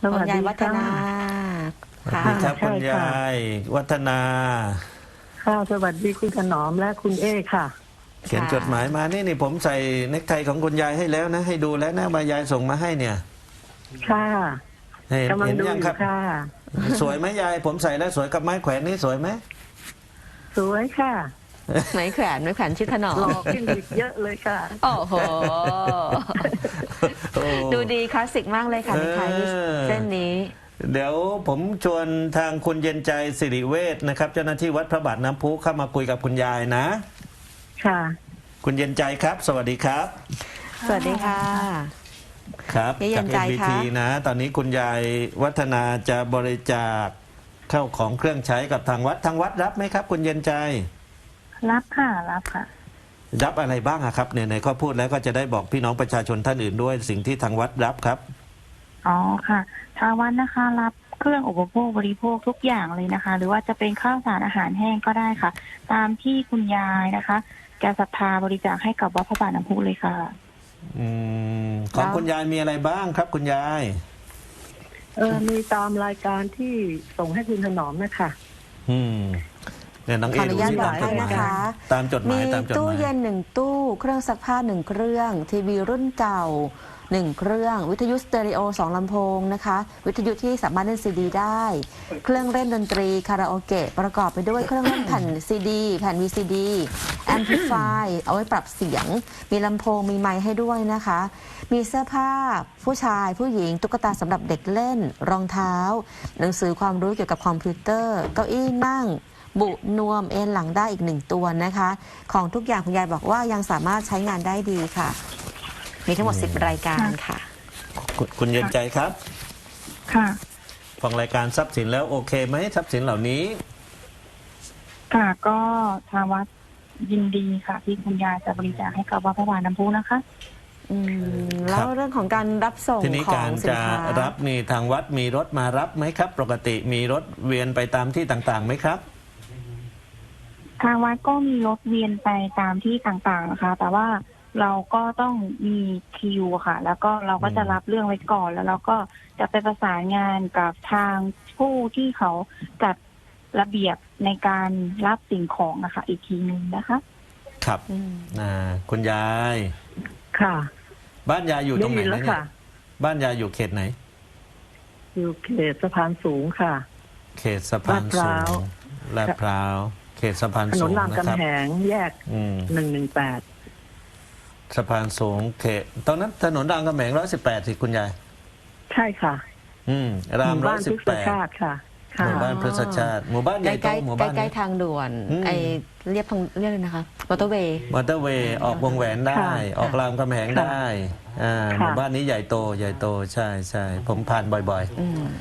สวัสคุณยายดีวัฒค่ะนาสวัสค่ะดีครับใช่คุณค่ะยายวัฒนาค่ะสวัสดีคุณถนอมและคุณเอค่ะเขียนจดหมายมานี่ผมใส่เนคไทของคุณยายให้แล้วนะ ให้ดูแล้วนะมายายส่งมาให้เนี่ยค่ะเห็นกำลังเห็นดูยังอคยู่รับค่ะสวยไหมยายผมใส่แล้วสวยกับไม้แขวนนี่สวยไหมสวยค่ะไหมแขวนชื่อถนอหล่อมขึ้นอีกเยอะเลยค่ะโอ้โหโอ้ดูดีคลาสสิกมากเลยค่ะในไทยเส้นนี้เดี๋ยวผมชวนทางคุณเย็นใจสิริเวชนะครับ เจ้าหน้าที่วัดพระบาทน้ำพุเข้ามาคุยกับคุณยายนะค่ะคุณเย็นใจครับ สวัสดีครับสวัสดีค่ะครับพี่เย็จากนใจ MBT คะนะ ตอนนี้คุณยายวัฒนาจะบริจาคเข้าของเครื่องใช้กับทางวัดรับไหมครับ คุณเย็นใจรับค่ะ รับค่ะรับอะไรบ้างอะครับเนี่ยในข้อพูดแล้วก็จะได้บอกพี่น้องประชาชนท่านอื่นด้วยสิ่งที่ทางวัดรับครับอ๋อค่ะ ทางวัดนะคะ รับเครื่องอุปโภคบริโภคทุกอย่างเลยนะคะ หรือว่าจะเป็นข้าวสารอาหารแห้งก็ได้ค่ะ ตามที่คุณยายนะคะแกศรัทธาบริจาคให้กับวัดพระบาทน้ำพุเลยค่ะของคุณยายมีอะไรบ้างครับ คุณยายมีตามรายการที่ส่งให้คุณถนอมนะคะเนี่ยน้องขเอออนุดูญาตที่บอตาก มจให้ดหมานะยคะตามจดหมีมายตามจดหตู้มายเย็น1 ตู้เครื่องซักผ้า1 เครื่องทีวีรุ่นเก่า1 เครื่องวิทยุสเตอริโอ2 ลำโพงนะคะวิทยุที่สามารถเล่นซีดีได้ เครื่องเล่นดนตรีคาราโอเกะประกอบไปด้วยเครื่องเล่นแผ่นซีดีแผ่น VCD แอมพลิฟายเอาไว้ปรับเสียง มีลำโพงมีไมค์ให้ด้วยนะคะ มีเสื้อผ้าผู้ชายผู้หญิงตุ๊กตาสำหรับเด็กเล่นรองเท้า หนังสือความรู้เกี่ยวกับคอมพิวเตอร์เก้าอี้นั่ง บุนวมเอนหลังได้อีก1 ตัวนะคะ ของทุกอย่างคุณยายบอกว่ายังสามารถใช้งานได้ดีค่ะ มีทั้งหมด10 รายการค่ะคุณเย็นใจครับค่ะฟังรายการทรัพย์สินแล้วโอเคไหมทรัพย์สินเหล่านี้ค่ะก็ทางวัดยินดีค่ะ ที่คุณยายจะบริจาคให้กับวัดพระบาทน้ำพุนะคะแล้วเรื่องของการรับส่งทีนี้ขอการงสินจะค้ารับนี่ทางวัดมีรถมารับไหมครับ ปกติมีรถเวียนไปตามที่ต่างๆไหมครับทางวัดก็มีรถเวียนไปตามที่ต่างๆนะคะ แต่ว่าเราก็ต้องมีคิวค่ะ แล้วก็เราก็จะรับเรื่องไว้ก่อน แล้วเราก็จะไปประสานงานกับทางผู้ที่เขาจัดระเบียบในการรับสิ่งของนะคะ อีกทีนึงนะคะครับคุณยายค่ะบ้านยายอยู่ตรงไหนได้ยินแล้นะวเนี่ยค่ะบ้านยายอยู่เขตไหนอยู่เขตสะพานสูงค่ะเขตสะพานสูลาดพร้าวงลาดพร้าวเขตสะพานถนสูนงรามนะครับกำแหงแยกอืม 118 สะพานสูงเขตตอนนั้นถนนรามคำแหง118สิคุณยายใช่ค่ะรามหมู่บ้านพฤกษชาติ 118 ค่ะหค่ะมู่บ้านพฤกษชาติหมู่บ้านใหใกญ่โตล้หมู่ๆบ้านใกล้ๆทางด่วน ไอเรียบเลยนะคะมอเตอร์เวย์มอเตอร์เวย์ออกวงแหวนได้ค่ะออกรามคำแหงได้หมู่บ้านนี้ใหญ่โตใช่ผมผ่านบ่อย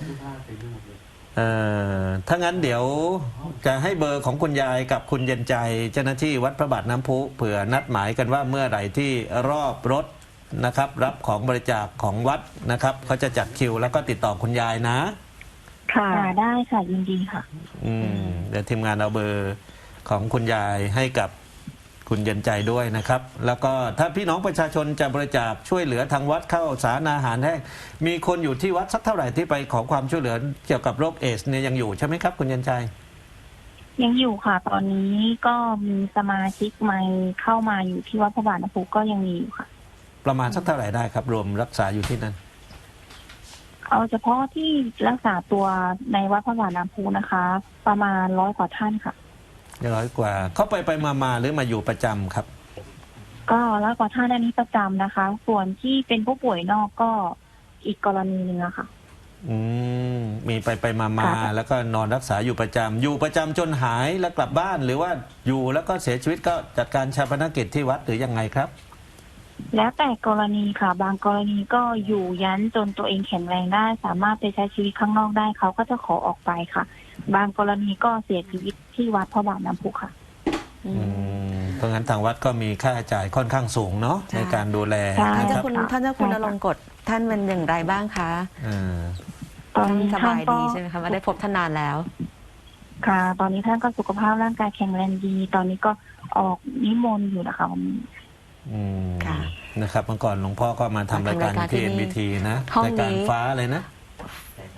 ๆถ้างั้นเดี๋ยวจะให้เบอร์ของคุณยายกับคุณเย็นใจเจ้าหน้าที่วัดพระบาทน้ำพุเผื่อนัดหมายกันว่าเมื่อไหร่ที่รอบรถนะครับ รับของบริจาคของวัดนะครับเขาจะจัดคิวแล้วก็ติดต่อคุณยายนะค่ะค่ะได้ค่ะยินดีค่ะเดี๋ยวทีมงานเอาเบอร์ของคุณยายให้กับคุณเย็นใจด้วยนะครับ แล้วก็ถ้าพี่น้องประชาชนจะบริจาคช่วยเหลือทางวัดเข้าสารอาหารแห้งมีคนอยู่ที่วัดสักเท่าไหร่ที่ไปขอความช่วยเหลือเกี่ยวกับโรคเอดส์เนี่ยยังอยู่ใช่ไหมครับคุณเย็นใจยังอยู่ค่ะ ตอนนี้ก็มีสมาชิกใหม่เข้ามาอยู่ที่วัดพระบาทน้ำพุก็ยังมีอยู่ค่ะประมาณสักเท่าไหร่ได้ครับรวมรักษาอยู่ที่นั่นเอาเฉพาะที่รักษาตัวในวัดพระบาทน้ำพุนะคะ ประมาณ100 กว่าท่านค่ะ 100 กว่าเขาไปมาหรือมาอยู่ประจำครับก็100 กว่าท่านอันนี้ประจำนะคะ ส่วนที่เป็นผู้ป่วยนอกก็อีกกรณีหนึงอะค่ะมีไปมาแล้วก็นอนรักษาอยู่ประจำจนหายแล้วกลับบ้านหรือว่าอยู่แล้วก็เสียชีวิตก็จัดการชาปนกิจที่วัดหรือยังไงครับแล้วแต่กรณีค่ะ บางกรณีก็อยู่ยันจนตัวเองแข็งแรงได้ สามารถไปใช้ชีวิตข้างนอกได้เขาก็จะขอออกไปค่ะ บางกรณีก็เสียชีวิตที่วัดพระบาทน้ำพุค่ะเพราะงั้นทางวัดก็มีค่าใช้จ่ายค่อนข้างสูงเนาะใช่ในการดูแลใช่ท่านนะคเจ้ารับคุณท่านเจ้าคุณอลงกฎท่านเป็นอย่างไรบ้างคะตอนท่านนี้สท่าบาน ยก็ดีใช่ไหมคะไม่ได้พบท่านนานแล้วค่ะ ตอนนี้ท่านก็สุขภาพร่างกายแข็งแรงดี ตอนนี้ก็ออกนิมนต์อยู่นะคะวันนี้ค่ะนะครับเมื่อก่อนหลวงพ่อก็มาทำรายการมาทำรายการที่ที่นี่ NBT นะห้องรายการนี้ฟ้าเลยนะ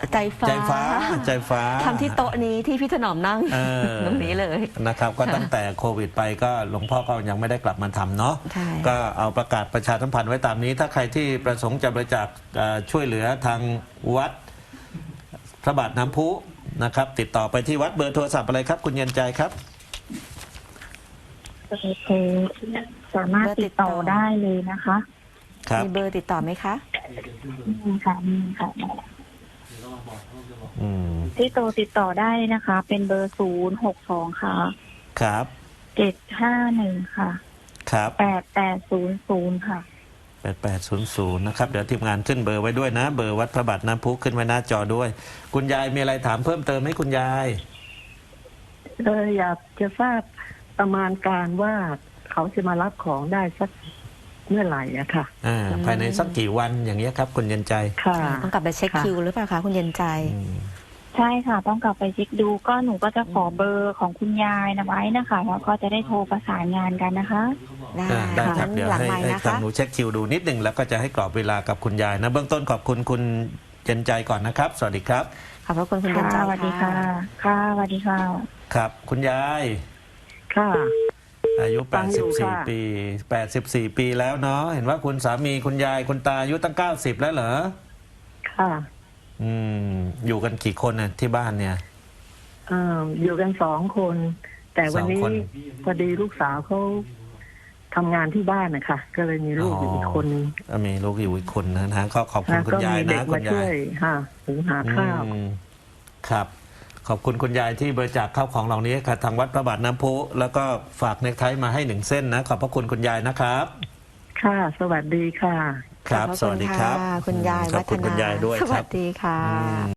ใจฟ้าใจฟ้าใจฟ้าทำที่โต๊ะนี้ที่พี่ถนอมนั่งเออตรงนี้เลยนะครับ ก็ตั้งแต่โควิดไปก็หลวงพ่อก็ยังไม่ได้กลับมาทำเนาะใช่ก็เอาประกาศประชาสัมพันธ์ไว้ตามนี้ ถ้าใครที่ประสงค์จะบริจาคช่วยเหลือทางวัดพระบาทน้ำพุนะครับ ติดต่อไปที่วัดเบอร์โทรศัพท์อะไรครับ คุณเย็นใจครับสามารถติดต่อได้เลยนะคะครับมีเบอร์ติดต่อไหมคะมีค่ะมีค่ะอืมที่โตติดต่อได้นะคะ เป็นเบอร์062ค่ะครับ 751ค่ะครับ 8800ค่ะ 8800นะครับ เดี๋ยวทีมงานขึ้นเบอร์ไว้ด้วยนะ เบอร์วัดพระบาทน้ำพุขึ้นไว้หน้าจอด้วย คุณยายมีอะไรถามเพิ่มเติมไหมคุณยายอยากจะทราบประมาณการว่าเขาจะมารับของได้สักเมื่อไหร่อะค่ะภายในสักกี่วันอย่างเงี้ยครับ คุณเย็นใจค่ะต้องกลับไปเช็คคิวหรือเปล่าคะคุณเย็นใจอืมใช่ค่ะ ต้องกลับไปเช็คดูก็หนูก็จะขอเบอร์ของคุณยายนะไว้นะคะแล้วก็จะได้โทรประสานงานกันนะคะได้ได้ครังั้บนเดี๋ยวหลังให้ไม้ให้นะทางคะหนูเช็คคิวดูนิดหนึ่งแล้วก็จะให้กรอบเวลากับคุณยายนะเบื้องต้นขอบคุณคุณเย็นใจก่อนนะครับ สวัสดีครับขอบพระคุณคุณเย็นค่ะใจสวัสดีค่ะค่ะ ค่ะสวัสดีค่ะครับ คุณยายค่ะอายุฟังอยู่ค่ะ 84 ปี84 ปีแล้วเนาะเห็นว่าคุณสามีคุณยายคุณตาอายุตั้ง90แล้วเหรอค่ะอืมอยู่กันกี่คนน่ะที่บ้านเนี่ยอยู่กัน2 คน แต่วันนี้ 2 คนพอดีลูกสาวเขาทำงานที่บ้านนะคะก็เลยมีลูกอยู่อีกคนนึงมีลูกอยู่อีกคนนะฮะก็ขอบคุณนะคุณก็ยายมีเด็นะกคุมาณช่ยาวย ยค่ะหุงหาข้าวอืมครับ ขอบคุณคุณยายที่บริจาคข้าวของเหล่านี้ค่ะทางวัดพระบาทน้ำพุแล้วก็ฝากเนคไทมาให้1 เส้นนะขอบพระคุณคุณยายนะครับค่ะ สวัสดีค่ะครับขอบพะสวัสดีครับะคุณยายขอบคุณคุณยายด้วยสควัรับสดีค่ะ